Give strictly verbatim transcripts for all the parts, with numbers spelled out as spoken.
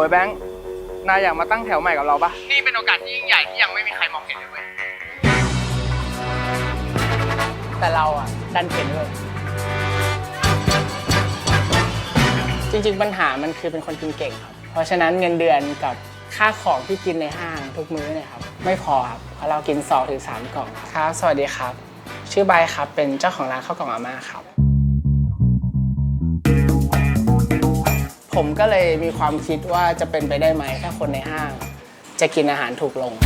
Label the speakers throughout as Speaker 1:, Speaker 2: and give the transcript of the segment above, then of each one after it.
Speaker 1: แบงค์นายอยากมาตั้งแถวใหม่กับเราปะนี่เป็นโอกาสที่ยิ่งใหญ่ที่ยังไม่มีใครมองเห็นเลยเว้ยแต่เราอ่ะดันเห็นเลยจริงๆปัญหามันคือเป็นคนกินเก่งครับเพราะฉะนั้นเงินเดือนกับค่าของที่กินในห้างทุกมื้อเนี่ยครับไม่พอครับเพราะเรากินสองถึงสามกล่องครับสวัสดีครับชื่อใบครับเป็นเจ้าของร้านข้าวกล่องอาม่าครับผมก็เลยมีความคิดว่าจะเป็นไปได้ไหมถ้าคนในห้างจะกินอาหารถูกลง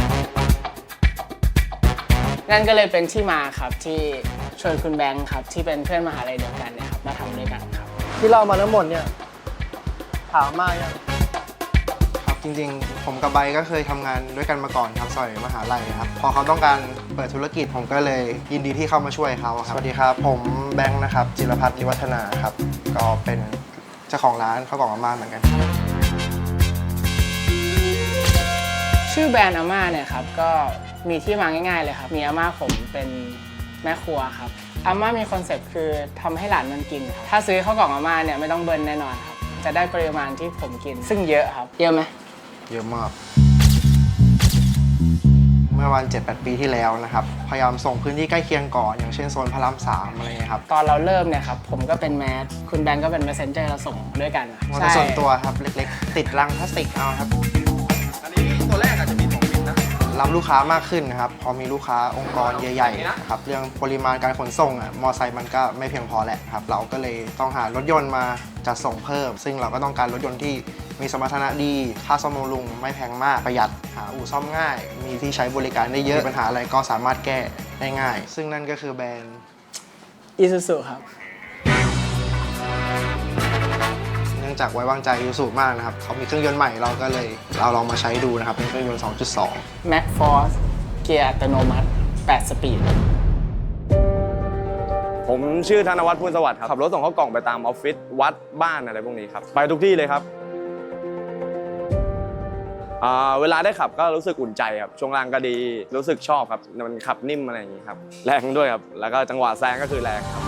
Speaker 1: นั่นก็เลยเป็นที่มาครับที่ชวนคุณแบงค์ครับที่เป็นเพื่อนมหาลัยเดียวกันเนี่ยครับมาทำด้วยกันครับที่เล่ามาทั้งหมดเนี่ยถามมากยัง
Speaker 2: ครับจริงๆผมกับใบก็เคยทำงานด้วยกันมาก่อนครับสมัยมหาลัยครับพอเขาต้องการเปิดธุรกิจผมก็เลยยินดีที่เข้ามาช่วยเขาครับสวัสดีครับผมแบงค์นะครับจิรพัฒน์นิวัฒนาครับก็เป็นเจ้าของร้านข้าวกล่องอาม่าเหมือนกัน
Speaker 1: ชื่อแบรนด์อาม่าเนี่ยครับก็มีที่มาง่ายๆเลยครับมีอาม่าผมเป็นแม่ครัวครับอาม่ามีคอนเซ็ปต์คือทำให้หลานมันกินครับถ้าซื้อข้าวกล่องอาม่าเนี่ยไม่ต้องเบิร์นแน่นอนครับจะได้ปริมาณที่ผมกินซึ่งเยอะครับเยอะไหม
Speaker 2: เยอะมากเมื่อวัน เจ็ดแปด ปีที่แล้วนะครับพยายามส่งพื้นที่ใกล้เคียงก่อนอย่างเช่นโซนพระรามสามอะไรเงี้ยครับ
Speaker 1: ตอนเราเริ่มเนี่ยครับผมก็เป็นแมสคุณแบงก์ก็เป็น messenger เราส่งด้วยกัน
Speaker 2: ใช่ส่วนตัวครับเล็กๆติดรังพลาสติกเอาครับ
Speaker 3: อันนี้ตัวแรกอาจจะมีสองมิลนะ
Speaker 2: รับลูกค้ามากขึ้นนะครับพอมีลูกค้าองค์กรใหญ่ๆนะครับเรื่องปริมาณการขนส่งอ่ะมอไซค์มันก็ไม่เพียงพอแหละครับเราก็เลยต้องหารถยนต์มาจัดส่งเพิ่มซึ่งเราก็ต้องการรถยนต์ที่มีสมรรถนะดีค่าซ่อมบำรุงไม่แพงมากประหยัดหาอู่ซ่อมง่ายมีที่ใช้บริการได้เยอะปัญหาอะไรก็สามารถแก้ได้ง่ายซึ่งนั่นก็คือแบรนด์
Speaker 1: Isuzu ครับ
Speaker 2: เนื่องจากไว้วางใจ Isuzu มากนะครับเขามีเครื่องยนต์ใหม่เราก็เลยเราลองมาใช้ดูนะครับเป็นเครื่องยนต์ สองจุดสอง
Speaker 1: Max Force เกียร์อัตโนมัติแปดสปีด
Speaker 3: ผมชื่อธนวัฒน์พูนสวัสดิ์ครับขับรถส่งข้าวกล่องไปตามออฟฟิศวัดบ้านอะไรพวกนี้ครับไปทุกที่เลยครับเวลาได้ขับก็รู้สึกอุ่นใจครับช่วงล่างก็ดีรู้สึกชอบครับมันขับนิ่มอะไรอย่างนี้ครับแรงด้วยครับแล้วก็จังหวะแซงก็คือแรงครับ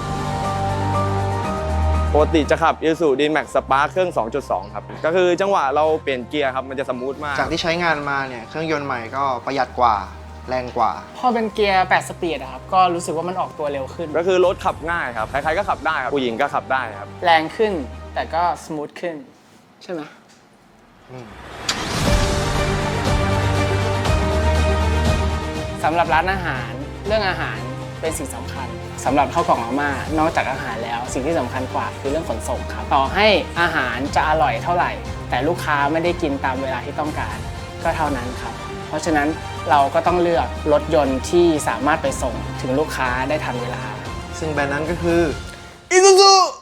Speaker 3: ปกติจะขับ Isuzu D-Max Spark เครื่อง สองจุดสอง ครับก็คือจังหวะเราเปลี่ยนเกียร์ครับมันจะสมูทมาก
Speaker 2: จากที่ใช้งานมาเนี่ยเครื่องยนต์ใหม่ก็ประหยัดกว่าแรงกว่า
Speaker 1: พอเป็นเกียร์แปดสปีดครับก็รู้สึกว่ามันออกตัวเร็วขึ้น
Speaker 3: ก็คือรถขับง่ายครับใครๆก็ขับได้ครับผู้หญิงก็ขับได้ครับ
Speaker 1: แรงขึ้นแต่ก็สมูทขึ้นใช่ไหมสำหรับร้านอาหารเรื่องอาหารเป็นสิ่งสำคัญสำหรับข้าวกล่องอาม่านอกจากอาหารแล้วสิ่งที่สำคัญกว่าคือเรื่องขนส่งครับต่อให้อาหารจะอร่อยเท่าไหร่แต่ลูกค้าไม่ได้กินตามเวลาที่ต้องการก็เท่านั้นครับเพราะฉะนั้นเราก็ต้องเลือกรถยนต์ที่สามารถไปส่งถึงลูกค้าได้ทันเวลา
Speaker 2: ซึ่งแบรนด์นั้นก็คือ Isuzu